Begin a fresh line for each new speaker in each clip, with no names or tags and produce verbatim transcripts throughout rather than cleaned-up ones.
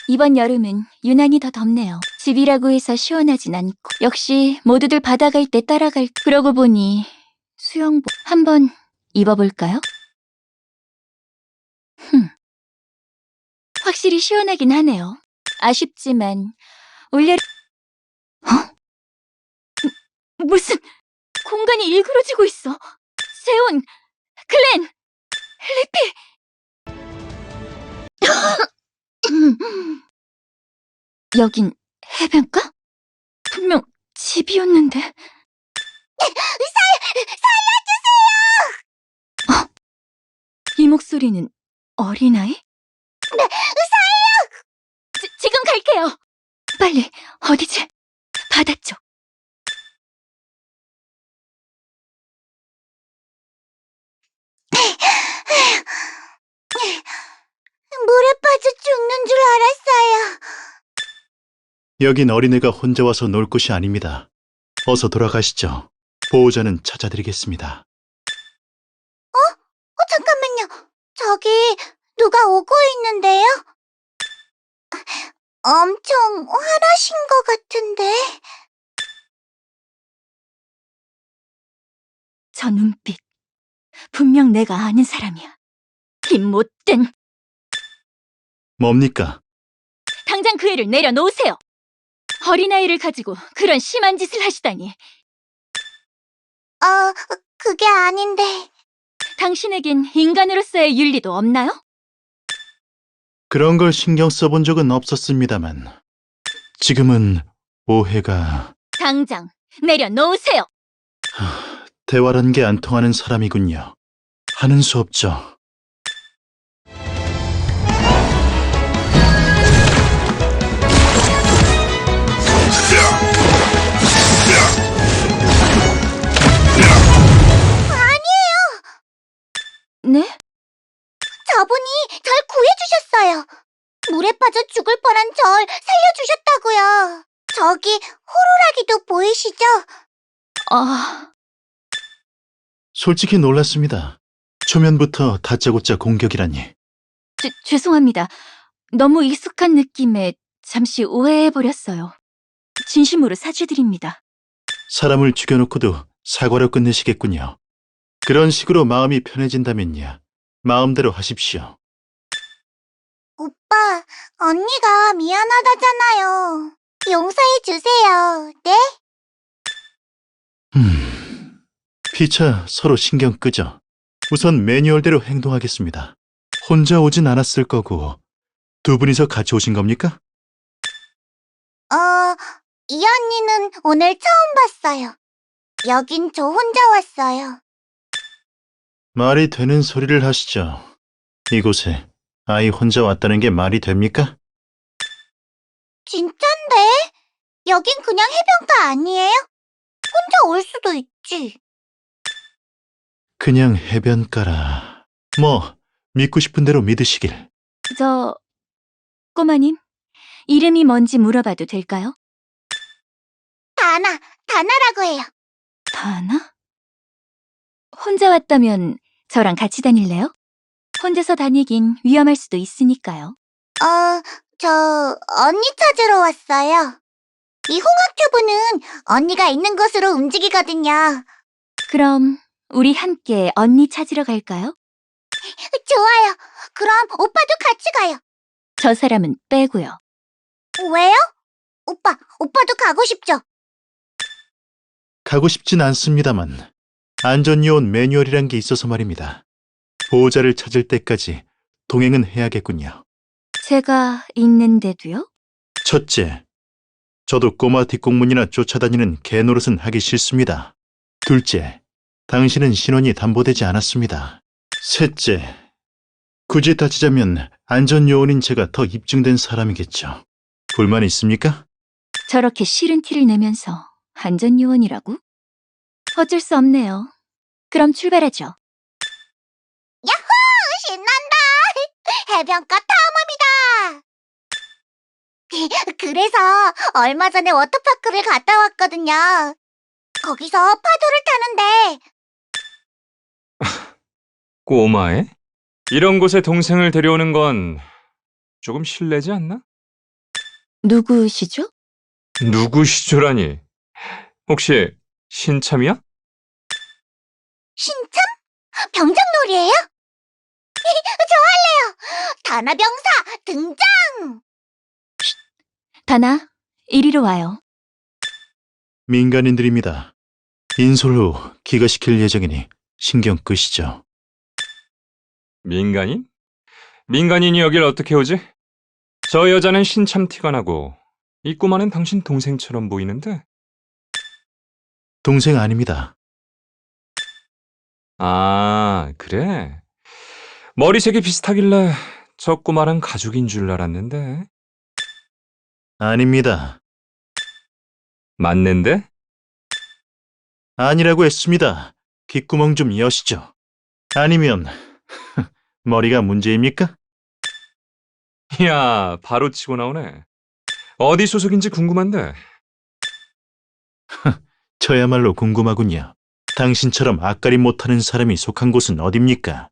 이번 여름은 유난히 더 덥네요. 집이라고 해서 시원하진 않고 역시 모두들 바다 갈 때 따라갈. 그러고 보니 수영복 한번 입어볼까요? 흠, 확실히 시원하긴 하네요. 아쉽지만 올여... 어? 무슨 공간이 일그러지고 있어. 세온, 글렌, 리피. 여긴 해변가? 분명 집이었는데. 어? 이 목소리는 어린아이? 네, 의사예요! 지, 지금 갈게요. 빨리, 어디지? 바다 쪽.
물에 빠져 죽는 줄 알았어요.
여긴 어린애가 혼자 와서 놀 곳이 아닙니다. 어서 돌아가시죠. 보호자는 찾아드리겠습니다.
어? 어, 잠깐만요. 저기 누가 오고 있는데요? 엄청 화나신 것 같은데.
저 눈빛. 분명 내가 아는 사람이야. 이 못된.
뭡니까?
당장 그 애를 내려놓으세요. 어린아이를 가지고 그런 심한 짓을 하시다니.
어, 그게 아닌데.
당신에겐 인간으로서의 윤리도 없나요?
그런 걸 신경 써본 적은 없었습니다만 지금은 오해가...
당장 내려놓으세요.
하, 대화란 게 안 통하는 사람이군요. 하는 수 없죠.
네?
저분이 절 구해주셨어요. 물에 빠져 죽을 뻔한 절 살려주셨다고요. 저기 호루라기도 보이시죠?
아...
솔직히 놀랐습니다. 초면부터 다짜고짜 공격이라니.
죄, 죄송합니다. 너무 익숙한 느낌에 잠시 오해해버렸어요. 진심으로 사죄드립니다.
사람을 죽여놓고도 사과로 끝내시겠군요. 그런 식으로 마음이 편해진다면요. 마음대로 하십시오.
오빠, 언니가 미안하다잖아요. 용서해주세요. 네?
음... 피차 서로 신경 끄죠. 우선 매뉴얼대로 행동하겠습니다. 혼자 오진 않았을 거고 두 분이서 같이 오신 겁니까?
어, 이 언니는 오늘 처음 봤어요. 여긴 저 혼자 왔어요.
말이 되는 소리를 하시죠. 이곳에 아이 혼자 왔다는 게 말이 됩니까?
진짠데? 여긴 그냥 해변가 아니에요? 혼자 올 수도 있지.
그냥 해변가라. 뭐 믿고 싶은 대로 믿으시길.
저... 꼬마님, 이름이 뭔지 물어봐도 될까요?
다나, 다나라고 해요.
다나? 혼자 왔다면 저랑 같이 다닐래요? 혼자서 다니긴 위험할 수도 있으니까요.
어, 저 언니 찾으러 왔어요. 이 홍학튜브는 언니가 있는 곳으로 움직이거든요.
그럼 우리 함께 언니 찾으러 갈까요?
좋아요. 그럼 오빠도 같이 가요.
저 사람은 빼고요.
왜요? 오빠, 오빠도 가고 싶죠?
가고 싶진 않습니다만 안전요원 매뉴얼이란 게 있어서 말입니다. 보호자를 찾을 때까지 동행은 해야겠군요.
제가 있는데도요?
첫째, 저도 꼬마 뒷공문이나 쫓아다니는 개노릇은 하기 싫습니다. 둘째, 당신은 신원이 담보되지 않았습니다. 셋째, 굳이 따지자면 안전요원인 제가 더 입증된 사람이겠죠. 불만 있습니까?
저렇게 싫은 티를 내면서 안전요원이라고? 어쩔 수 없네요. 그럼 출발하죠.
야호! 신난다! 해변가 탐험이다! 그래서 얼마 전에 워터파크를 갔다 왔거든요. 거기서 파도를 타는데
꼬마애? 이런 곳에 동생을 데려오는 건 조금 실례지 않나?
누구시죠?
누구시죠라니? 혹시 신참이야?
신참? 병장놀이에요? 저 할래요. 다나병사 등장!
다나, 이리로 와요.
민간인들입니다. 인솔 후 기가시킬 예정이니 신경 끄시죠.
민간인? 민간인이 여길 어떻게 오지? 저 여자는 신참 티가 나고 이 꼬마는 당신 동생처럼 보이는데?
동생 아닙니다.
아, 그래? 머리색이 비슷하길래 저 꼬마랑 가족인 줄 알았는데.
아닙니다.
맞는데?
아니라고 했습니다. 귓구멍 좀 여시죠. 아니면 머리가 문제입니까?
이야, 바로 치고 나오네. 어디 소속인지 궁금한데.
저야말로 궁금하군요. 당신처럼 앞가림 못하는 사람이 속한 곳은 어딥니까?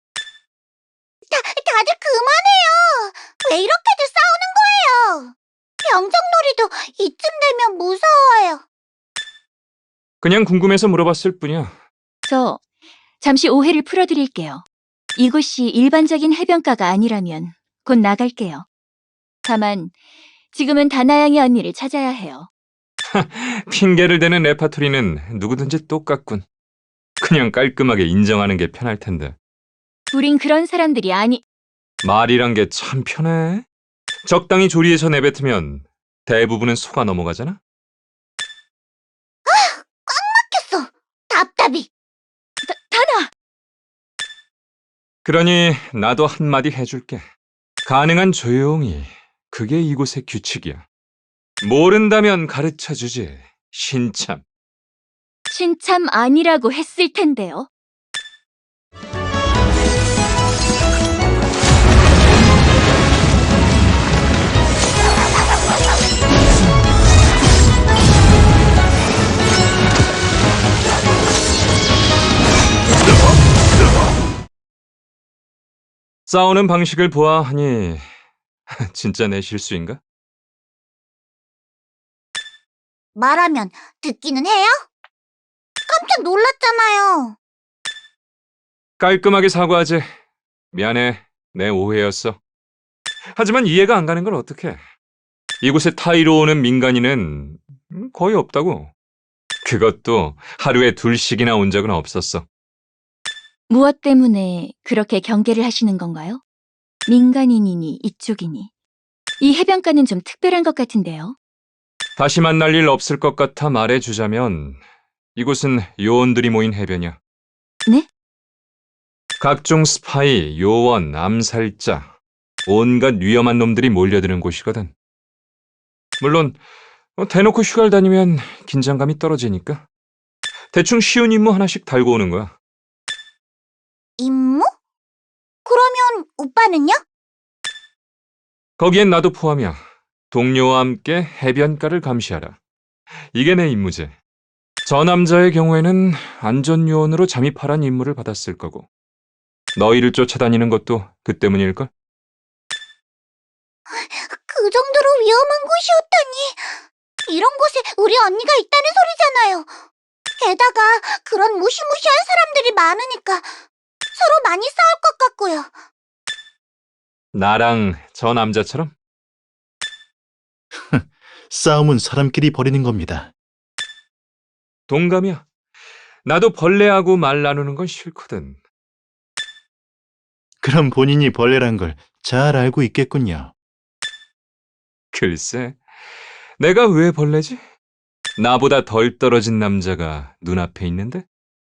다들 그만해요. 왜 이렇게들 싸우는 거예요? 병장놀이도 이쯤 되면 무서워요.
그냥 궁금해서 물어봤을 뿐이야.
저, 잠시 오해를 풀어드릴게요. 이곳이 일반적인 해변가가 아니라면 곧 나갈게요. 다만, 지금은 다나양의 언니를 찾아야 해요.
핑계를 대는 레파토리는 누구든지 똑같군. 그냥 깔끔하게 인정하는 게 편할 텐데.
우린 그런 사람들이 아니,
말이란 게 참 편해. 적당히 조리해서 내뱉으면 대부분은 속아 넘어가잖아?
켰어. 답답이.
다나!
그러니 나도 한마디 해줄게. 가능한 조용히. 그게 이곳의 규칙이야. 모른다면 가르쳐주지. 신참.
신참 아니라고 했을 텐데요.
싸우는 방식을 보아하니 진짜 내 실수인가?
말하면 듣기는 해요? 깜짝 놀랐잖아요.
깔끔하게 사과하지. 미안해. 내 오해였어. 하지만 이해가 안 가는 걸 어떡해. 이곳에 타이로 오는 민간인은 거의 없다고. 그것도 하루에 둘씩이나 온 적은 없었어.
무엇 때문에 그렇게 경계를 하시는 건가요? 민간인이니 이쪽이니. 이 해변가는 좀 특별한 것 같은데요.
다시 만날 일 없을 것 같아 말해주자면 이곳은 요원들이 모인 해변이야.
네?
각종 스파이, 요원, 암살자, 온갖 위험한 놈들이 몰려드는 곳이거든. 물론 어, 대놓고 휴가를 다니면 긴장감이 떨어지니까 대충 쉬운 임무 하나씩 달고 오는 거야.
임무? 그러면 오빠는요?
거기엔 나도 포함이야. 동료와 함께 해변가를 감시하라. 이게 내 임무지. 저 남자의 경우에는 안전요원으로 잠입하란 임무를 받았을 거고 너희를 쫓아다니는 것도 그 때문일걸?
그 정도로 위험한 곳이었다니. 이런 곳에 우리 언니가 있다는 소리잖아요. 게다가 그런 무시무시한 사람들이 많으니까 서로 많이 싸울 것 같고요.
나랑 저 남자처럼?
싸움은 사람끼리 벌이는 겁니다.
동감이야. 나도 벌레하고 말 나누는 건 싫거든.
그럼 본인이 벌레란 걸 잘 알고 있겠군요.
글쎄, 내가 왜 벌레지? 나보다 덜 떨어진 남자가 눈앞에 있는데?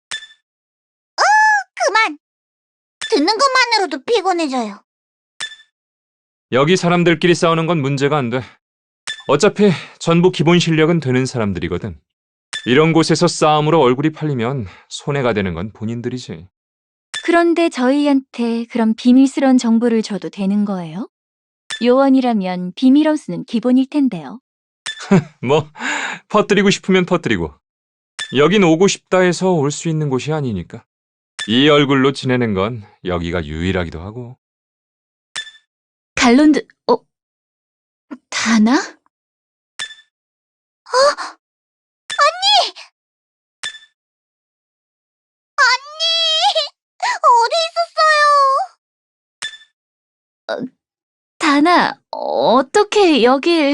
그만. 듣는 것만으로도 피곤해져요.
여기 사람들끼리 싸우는 건 문제가 안 돼. 어차피 전부 기본 실력은 되는 사람들이거든. 이런 곳에서 싸움으로 얼굴이 팔리면 손해가 되는 건 본인들이지.
그런데 저희한테 그런 비밀스러운 정보를 줘도 되는 거예요? 요원이라면 비밀 엄수는 기본일 텐데요.
뭐, 퍼뜨리고 싶으면 퍼뜨리고. 여긴 오고 싶다 해서 올 수 있는 곳이 아니니까. 이 얼굴로 지내는 건 여기가 유일하기도 하고.
갈론드, 어, 다나?
어디 있었어요?
다나, 어떻게 여길...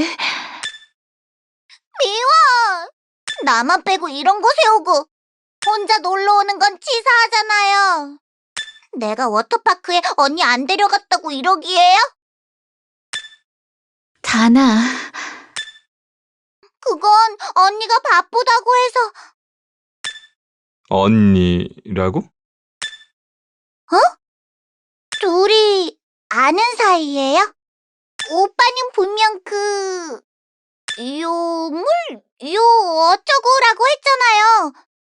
미워! 나만 빼고 이런 곳에 오고 혼자 놀러 오는 건 치사하잖아요. 내가 워터파크에 언니 안 데려갔다고 이러기에요?
다나...
그건 언니가 바쁘다고 해서.
언니라고?
둘이 아는 사이예요? 오빠는 분명 그... 요물? 요 어쩌고라고 했잖아요.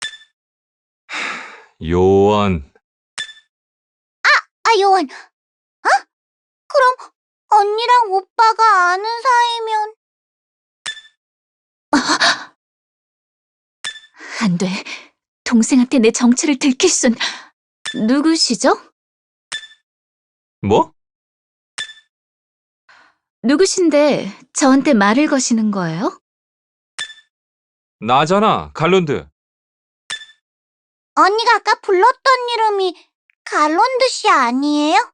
요원.
아, 요원. 어? 그럼 언니랑 오빠가 아는 사이면...
안 돼. 동생한테 내 정체를 들킬 순... 누구시죠?
뭐?
누구신데 저한테 말을 거시는 거예요?
나잖아, 갈론드.
언니가 아까 불렀던 이름이 갈론드 씨 아니에요?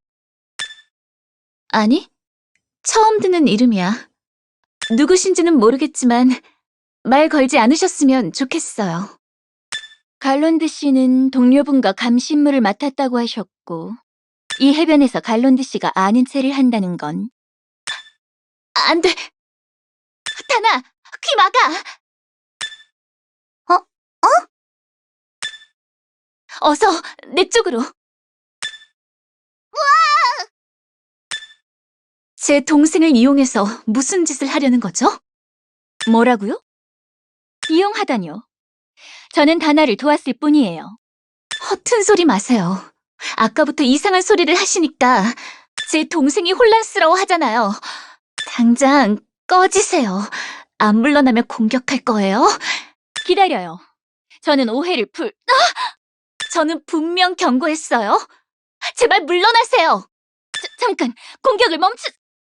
아니, 처음 듣는 이름이야. 누구신지는 모르겠지만 말 걸지 않으셨으면 좋겠어요. 갈론드 씨는 동료분과 감신물을 맡았다고 하셨고 이 해변에서 갈론드 씨가 아는 체를 한다는 건 안 돼! 다나! 귀 막아!
어? 어?
어서 내 쪽으로! 제 동생을 이용해서 무슨 짓을 하려는 거죠? 뭐라고요? 이용하다뇨. 저는 다나를 도왔을 뿐이에요. 허튼 소리 마세요. 아까부터 이상한 소리를 하시니까 제 동생이 혼란스러워 하잖아요. 당장 꺼지세요. 안 물러나면 공격할 거예요. 기다려요. 저는 오해를 풀... 아! 저는 분명 경고했어요. 제발 물러나세요. 자, 잠깐, 공격을 멈추...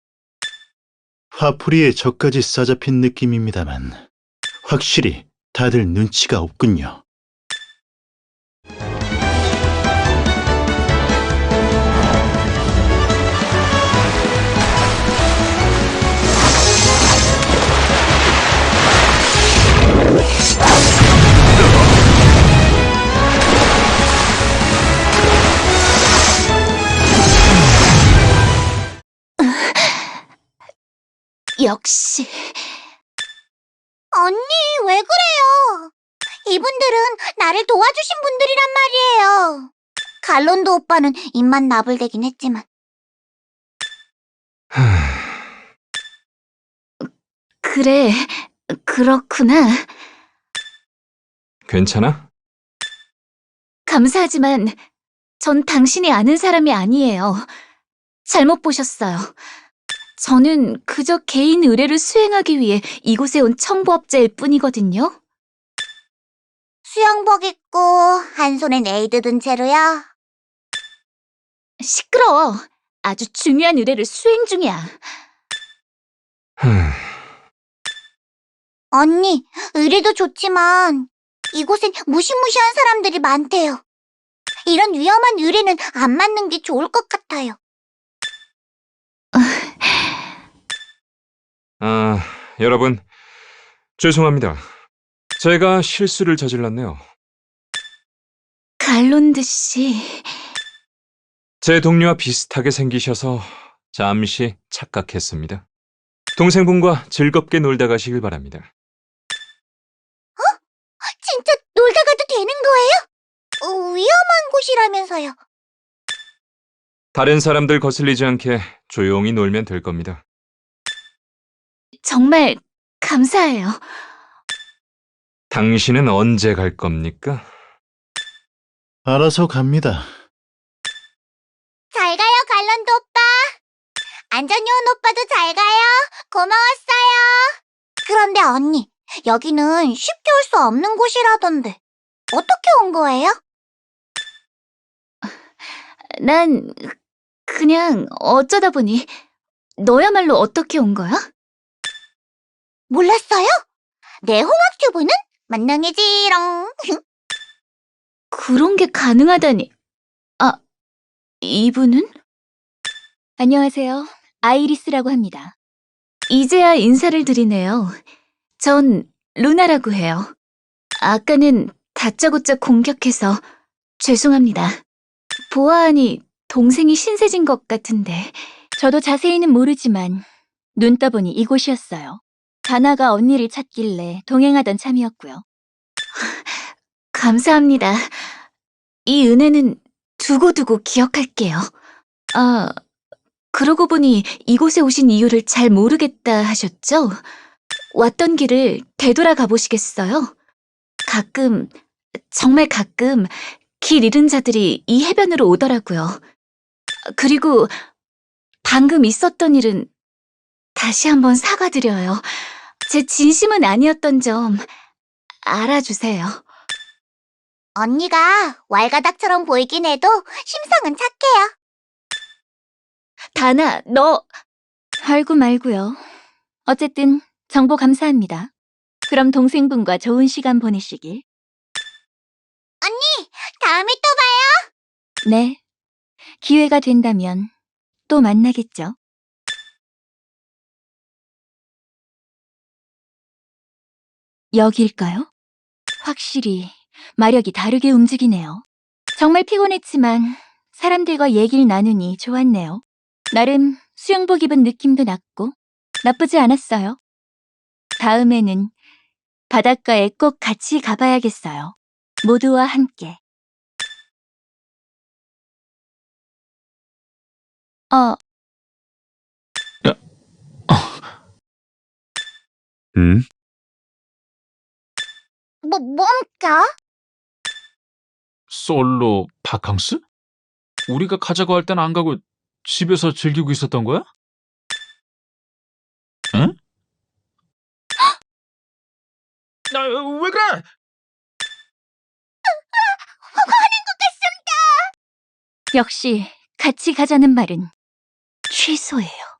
화풀이에 저까지 싸잡힌 느낌입니다만 확실히 다들 눈치가 없군요.
역시...
언니, 왜 그래요? 이분들은 나를 도와주신 분들이란 말이에요. 갈론드 오빠는 입만 나불대긴 했지만.
그래, 그렇구나.
괜찮아?
감사하지만 전 당신이 아는 사람이 아니에요. 잘못 보셨어요. 저는 그저 개인 의뢰를 수행하기 위해 이곳에 온 청부업자일 뿐이거든요.
수영복 입고 한 손엔 에이드 든 채로요.
시끄러워. 아주 중요한 의뢰를 수행 중이야.
언니, 의리도 좋지만 이곳엔 무시무시한 사람들이 많대요. 이런 위험한 의리는 안 맞는 게 좋을 것 같아요.
아, 여러분, 죄송합니다. 제가 실수를 저질렀네요.
갈론드 씨...
제 동료와 비슷하게 생기셔서 잠시 착각했습니다. 동생분과 즐겁게 놀다 가시길 바랍니다.
진짜 놀다 가도 되는 거예요? 어, 위험한 곳이라면서요.
다른 사람들 거슬리지 않게 조용히 놀면 될 겁니다.
정말 감사해요.
당신은 언제 갈 겁니까?
알아서 갑니다.
잘 가요, 갈런드 오빠. 안전히 온 오빠도 잘 가요. 고마웠어요. 그런데 언니, 여기는 쉽게 올 수 없는 곳이라던데. 어떻게 온 거예요?
난 그냥 어쩌다 보니... 너야말로 어떻게 온 거야?
몰랐어요? 내 홍학튜브는 만능이지롱.
그런 게 가능하다니. 아, 이분은? 안녕하세요. 아이리스라고 합니다. 이제야 인사를 드리네요. 전 루나라고 해요. 아까는 다짜고짜 공격해서 죄송합니다. 보아하니 동생이 신세진 것 같은데. 저도 자세히는 모르지만 눈 떠보니 이곳이었어요. 다나가 언니를 찾길래 동행하던 참이었고요. 감사합니다. 이 은혜는 두고두고 기억할게요. 아, 그러고 보니 이곳에 오신 이유를 잘 모르겠다 하셨죠? 왔던 길을 되돌아 가보시겠어요? 가끔, 정말 가끔 길 잃은 자들이 이 해변으로 오더라고요. 그리고 방금 있었던 일은 다시 한번 사과드려요. 제 진심은 아니었던 점 알아주세요.
언니가 왈가닥처럼 보이긴 해도 심성은 착해요.
다나, 너... 알고 말고요. 어쨌든 정보 감사합니다. 그럼 동생분과 좋은 시간 보내시길.
다음에 또 봐요.
네. 기회가 된다면 또 만나겠죠. 여기일까요? 확실히 마력이 다르게 움직이네요. 정말 피곤했지만 사람들과 얘기를 나누니 좋았네요. 나름 수영복 입은 느낌도 났고 나쁘지 않았어요. 다음에는 바닷가에 꼭 같이 가봐야겠어요. 모두와 함께. 어,
음?
뭐, 뭡니까?
솔로 바캉스? 우리가 가자고 할 땐 안 가고 집에서 즐기고 있었던 거야? 응? 나, 왜 그래?
역시 같이 가자는 말은 취소예요.